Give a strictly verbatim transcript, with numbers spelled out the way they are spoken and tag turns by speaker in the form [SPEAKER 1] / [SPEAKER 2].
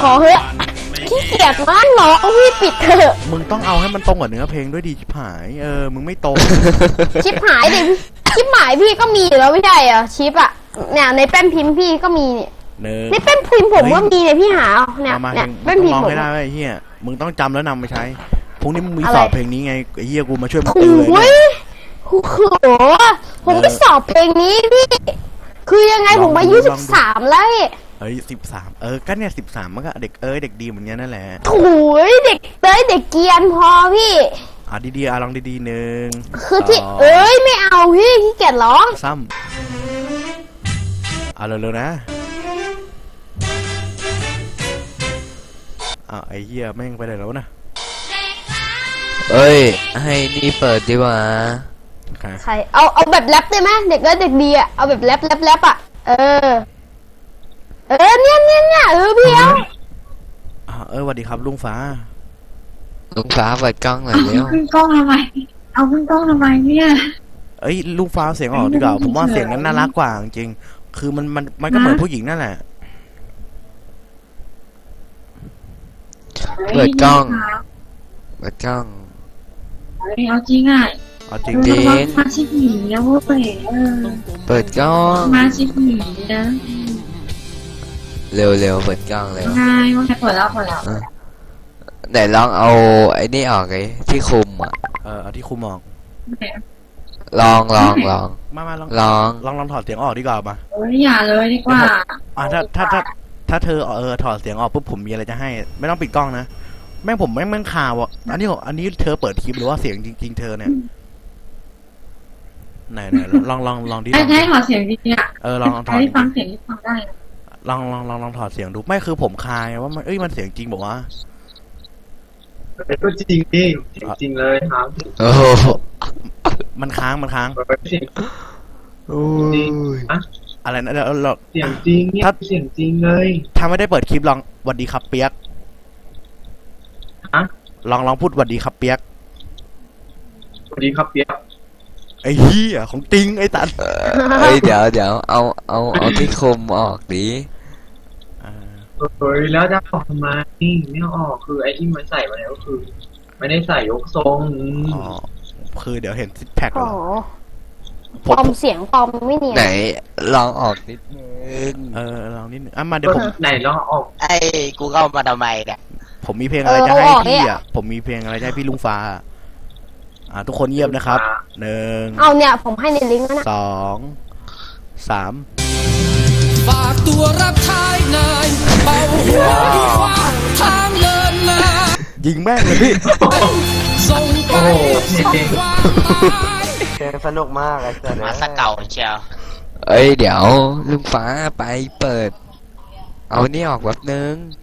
[SPEAKER 1] ขอเฮ้ยขี้เกียจมากร้องพี่ปิดเถอะ
[SPEAKER 2] มึงต้องเอาให้มันตรงกับเนื้อเพลงด้วยดีชิบหายเออมึงไม่ตรง
[SPEAKER 1] ชิปหายดิชิปหายพี่ก็มีอยู่แล้วไม่ใช่เหรอชิปอะเนี่ยในแป้นพิมพ์พี่ก็มีเนี่ย
[SPEAKER 2] เนื้อ
[SPEAKER 1] ในแป้นพิมพ์ผมก็มีเนี่ยพี่หาเนี่ย
[SPEAKER 2] มา
[SPEAKER 1] เนี่ย
[SPEAKER 2] เพล
[SPEAKER 1] แป้
[SPEAKER 2] ง
[SPEAKER 1] น
[SPEAKER 2] มึ
[SPEAKER 1] พิ
[SPEAKER 2] ง
[SPEAKER 1] ม
[SPEAKER 2] ร้อง
[SPEAKER 1] พ์ผม
[SPEAKER 2] ให้ได้ไอ้เฮียมึงต้องจำแล้วนำไปใช้พรุ่งนี้มึงมี
[SPEAKER 1] อะไร
[SPEAKER 2] สอบเพลงนี้ไงไอ้เฮียกูมาช่วยมึง
[SPEAKER 1] โอ้
[SPEAKER 2] ติวเลย
[SPEAKER 1] ย
[SPEAKER 2] เนี่ย
[SPEAKER 1] โอ้โหผมไปสอบเพลงนี้พี่คือยังไงผมอายุสิบสามแล้ว
[SPEAKER 2] เฮ้ยสิบสามเออก็เนี่ยสิบสามมันก็เด็กเอ้ยเด็กดีเหมือนกันนั่นแหละ
[SPEAKER 1] โถุยเด็กเต้ยเด็กเกรียนพอพี่
[SPEAKER 2] อ่ะดีๆอ่ะลองดีๆหนึ่ง
[SPEAKER 1] คือที่
[SPEAKER 2] สง
[SPEAKER 1] เอ้ยไม่เอาพี่ขี้เกียจร้อง
[SPEAKER 2] ซ้ำเอาเร็วๆนะอ่ะไอ้เหี้ยแม่งไปไหนแล้วนะ
[SPEAKER 3] เอ้ยให้นี่เปิดดีกว่า
[SPEAKER 2] ค่ะ
[SPEAKER 1] ใครเอาเอาแบบแรปได้ไหมเด็กเอ้ยเด็กดีอะเอาแบบแรปแรปแรปอะเออเออเนี่ยเนี่ยเนี่ยเออพี่เอา
[SPEAKER 2] อ่ะเออสวัสดีครับลุงฟ้า
[SPEAKER 3] ลุงฟ้าเปิดกล้องหน่อย
[SPEAKER 4] เอา
[SPEAKER 3] เร็ว
[SPEAKER 4] ขึ้นกล้องทำไม เอาขึ้นกล้องทำไมเนี่ย
[SPEAKER 2] เอ้ยลุงฟ้าเสียงออกดีกว่าผมว่าเสียงนั้นน่ารักกว่าจริงๆคือมันมันมันก็เหมือนผู้หญิงนั่นแหละ
[SPEAKER 3] เปิดกล้องเปิดกล้อง
[SPEAKER 4] เฮ้ยเอาจริงอ่ะ
[SPEAKER 2] เอาจริง
[SPEAKER 3] จริง
[SPEAKER 4] มาชิคหมีนะเว้ยเออ
[SPEAKER 3] เปิดกล้อง
[SPEAKER 4] มาชิคหมีนะ
[SPEAKER 3] เร็วเร็วเปิดกล้องเร็ว
[SPEAKER 4] ง่ายว่าใครเปิดแล้วเปิดแล้ว
[SPEAKER 3] ไหนลองเอาไอ้นี่ออกเลยที่คุมอ่ะ
[SPEAKER 2] เออเอาที่คุมออก
[SPEAKER 3] ลองลองลอง
[SPEAKER 2] มามาลอง
[SPEAKER 3] ลอง
[SPEAKER 2] ลองลองถอดเสียงออกดีกว่ามา
[SPEAKER 4] โอ้ยอย่าเลยดีกว่า
[SPEAKER 2] อ่ะถ้าถ้าถ้าถ้าเธอเออถอดเสียงออกปุ๊บผมมีอะไรจะให้ ไม่ต้องปิดกล้องนะแม่งผมแม่งแม่งข่าวอ่ะอันนี้อันนี้เธอเปิดคลิปหรือว่าเสียงจริง ๆ เธอเนี่ยไหนไหนลองลองลองดิล
[SPEAKER 4] ให้
[SPEAKER 2] อง
[SPEAKER 4] ให้ถอดเสียงดีๆอ่ะ
[SPEAKER 2] เออลองลองถอด
[SPEAKER 4] ให้ฟังเสียงที่ฟังได้นะ
[SPEAKER 2] ลองลองลองลองถอดเสียงดูไม่คือผมคายว่ามันเอ้ยมันเสียงจริงบอกว่า
[SPEAKER 5] ก็จริงดิจริงเลยครับ
[SPEAKER 3] โอ้โห
[SPEAKER 2] มันค้างมันค้าง
[SPEAKER 5] เสียง
[SPEAKER 3] โอ้ย
[SPEAKER 2] อะไรนะเดี๋ยวเรา
[SPEAKER 5] เสียงจริงเนี่ยเสียงจริงเลย
[SPEAKER 2] ถ้าไม่ได้เปิดคลิปลองหวัดดีครับเปียก
[SPEAKER 5] ฮะ
[SPEAKER 2] ลองลองพูดหวัดดีครับเปียก
[SPEAKER 5] สวัสดีครับเปียก
[SPEAKER 2] ไอ้เหี้ยของจริงไอ้ตัน
[SPEAKER 3] เอ้ยเดี๋ยวเดี๋ยวเอาเอาเอาที่คุมออกดิ
[SPEAKER 2] อ่า
[SPEAKER 5] เฮ้ยแล้วจะออกทำไมไม่เอาออกคือไอ้ที่มันใส่มาแล้วก็คือ ไม่ได้ใส่ยกทรงอืม
[SPEAKER 2] อ๋อคือเดี๋ยวเห็นซิกแพค
[SPEAKER 1] โอ้
[SPEAKER 2] เหร
[SPEAKER 1] โห
[SPEAKER 2] อ
[SPEAKER 1] ปลอมเสียงปลอมไม่เนียน
[SPEAKER 3] ไหนลองออกนิดนึง
[SPEAKER 2] เออลองนิดนึงอ่ะมาเดี๋ยวผม
[SPEAKER 5] ไหนลองเอาออก
[SPEAKER 6] ไอ้กูเข้ามาทำไมเนี่ย
[SPEAKER 2] ผมมีเพลงอะไรจะให้พี่อ่ะผมมีเพลงอะไรจะให้พี่ลุงฟ้าอ่าทุกคนเงียบนะครับหนึ่ง
[SPEAKER 1] เอาเนี่ยผมให้ในลิงก์แล้วนะ
[SPEAKER 2] สองสาม
[SPEAKER 7] ฝากตัวรับใช้นายเป่าหัวที่ขวางทางเลินนา
[SPEAKER 2] ยิงแม่งเลยพี่
[SPEAKER 7] ส่งไป
[SPEAKER 5] โอ้โหเพลง
[SPEAKER 7] ความหมาย
[SPEAKER 6] เพลงสนุกมากไอ้เจ้ามาสเก่าเชียว
[SPEAKER 3] เอ้ยเดี๋ยวลุงฟ้าไปเปิด เอานี่ออกแป๊บนึง